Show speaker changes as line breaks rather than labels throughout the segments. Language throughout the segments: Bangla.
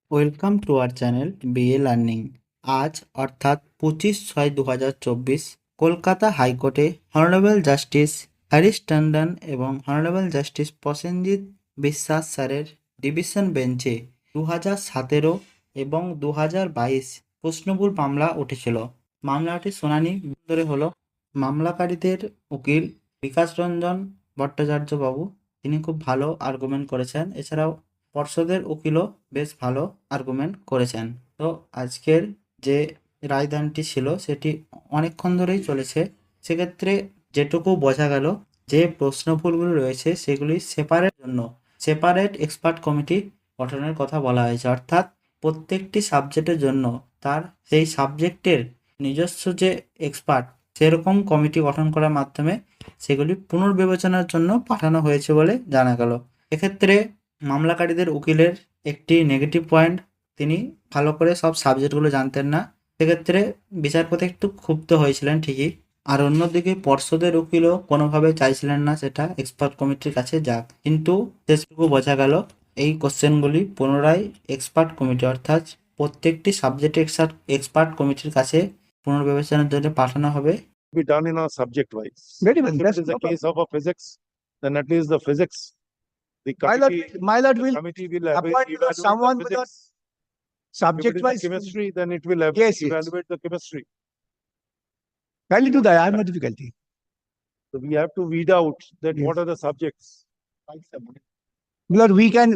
Welcome to our channel BA learning. আজ অর্থাৎ 25/6/2024 কলকাতা হাইকোর্টে হনারেবল জাস্টিস হরিশ টন্ডন এবং হনারেবল জাস্টিস প্রসেনজিৎ বিশ্বাস স্যারের ডিভিশন বেঞ্চে 2017 এবং 2022 প্রশ্নভুল মামলা উঠেছিল। মামলাটির শুনানি ধরে হলো মামলাকারীদের উকিল বিকাশ রঞ্জন ভট্টাচার্য বাবু, তিনি খুব ভালো আর্গুমেন্ট করেছেন। এছাড়াও পর্ষদের উকিলও বেশ ভালো আর্গুমেন্ট করেছেন। তো আজকের যে রায়দানটি ছিল সেটি অনেকক্ষণ ধরেই চলেছে। সেক্ষেত্রে যেটুকু বোঝা গেল যে প্রশ্নভুলগুলো রয়েছে সেগুলি সেপারেট এক্সপার্ট কমিটি গঠনের কথা বলা হয়েছে, অর্থাৎ প্রত্যেকটি সাবজেক্টের জন্য তার সেই সাবজেক্টের নিজস্ব যে এক্সপার্ট সেরকম কমিটি গঠন করার মাধ্যমে সেগুলি পুনর্বিবেচনার জন্য পাঠানো হয়েছে বলে জানা গেল। এক্ষেত্রে মামলাকারীদের উকিলের একটি নেগেটিভ পয়েন্ট, তিনি ভালো করে সব সাবজেক্টগুলো জানতেন না। সেক্ষেত্রে বিচারপতি একটু ক্ষুব্ধ হয়েছিলেন ঠিকই। আর অন্যদিকে পর্ষদের উকিলও কোনোভাবে চাইছিলেন না সেটা এক্সপার্ট কমিটির কাছে যাক, কিন্তু শেষটুকু বোঝা গেল এই কোশ্চেনগুলি পুনরায় এক্সপার্ট কমিটি অর্থাৎ প্রত্যেকটি সাবজেক্টে এক্সপার্ট কমিটির কাছে পুনর্বিবেচনার জন্য পাঠানো হবে।
Be done in a subject wise.
Very well.
If
That's
it is
no
a case of a physics, then at least the physics, the
My lord
the
will
committee will
appoint
evaluate
someone
the
with a
physics. If
subject
it is
wise.
the chemistry, then it will
Yes, yes.
evaluate the chemistry.
Kindly do that. I have no difficulty.
So we have to weed out that
Yes.
what are the subjects.
Lord, we can.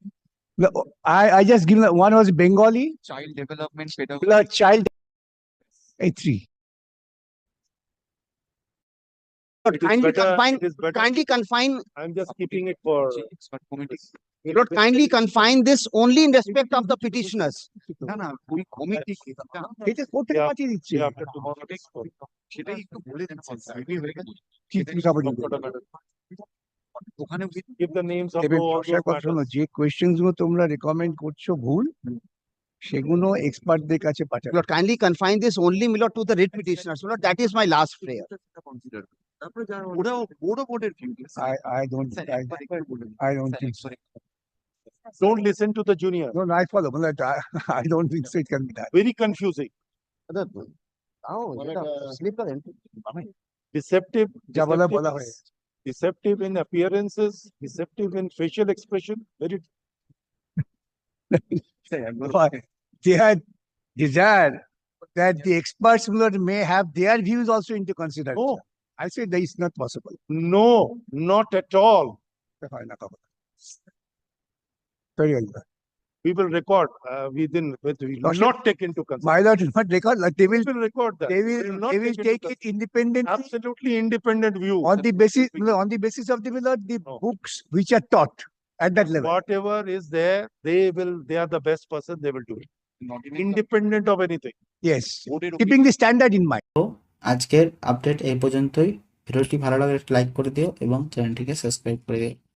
I just give one was Bengali.
Child development pedagogy.
Lord, child. A3. Lord,
It is better. It is better.
Kindly confine,
I'm just keeping it for.
Expert committee.
Lord, kindly confine this only in respect of the petitioners.
না না ওই কমিটি
It is কোথা থেকে পাঠিয়ে দিচ্ছে?
Yeah, after tomorrow next call.
সেটাই একটু বলে দেন সাইডে হয়ে গেছে
কি কি খবর দিবে?
ওখানে
Give the names of
দেবেন,
all
প্রশ্নের
those
কথা শোনো,
matters.
যে কোয়েশ্চেন্স গুলো তোমরা রেকমেন্ড করছো ভুল, সেগুলো এক্সপার্টদের কাছে পাঠাবে।
Lord, kindly confine this only, my lord, to the writ petitioners. Lord, that is my last prayer.
Consider তারপরে যারা ওরাও বোর্ডের view
I don't think so.
Don't listen to the junior.
No, I follow. But I don't think so. It can be done.
Very confusing. Deceptive.
যা বলা
deceptive
বলা
is-
হয়ে গেছে।
Deceptive in appearances, deceptive in facial expression, very.
But they had desire that the experts may have their views also into consideration.
No,
I say that is not possible.
no, not at all.
Very well.
We will record, we will
Lordship,
not take into consideration.
My lord, not record. Like they
We
will,
will record that.
they
We
will,
not
they will
into
take it independently
Absolutely independent view.
on the basis of the the
No.
books which are taught at that level.
Whatever is there, they are the best person, they will do it. Independent of anything.
Yes, keeping the standard in mind.
তো আজকের আপডেট এই পর্যন্তই। ভিডিওটি ভালো লাগলে লাইক করে দিও এবং চ্যানেলটিকে সাবস্ক্রাইব করে দিও।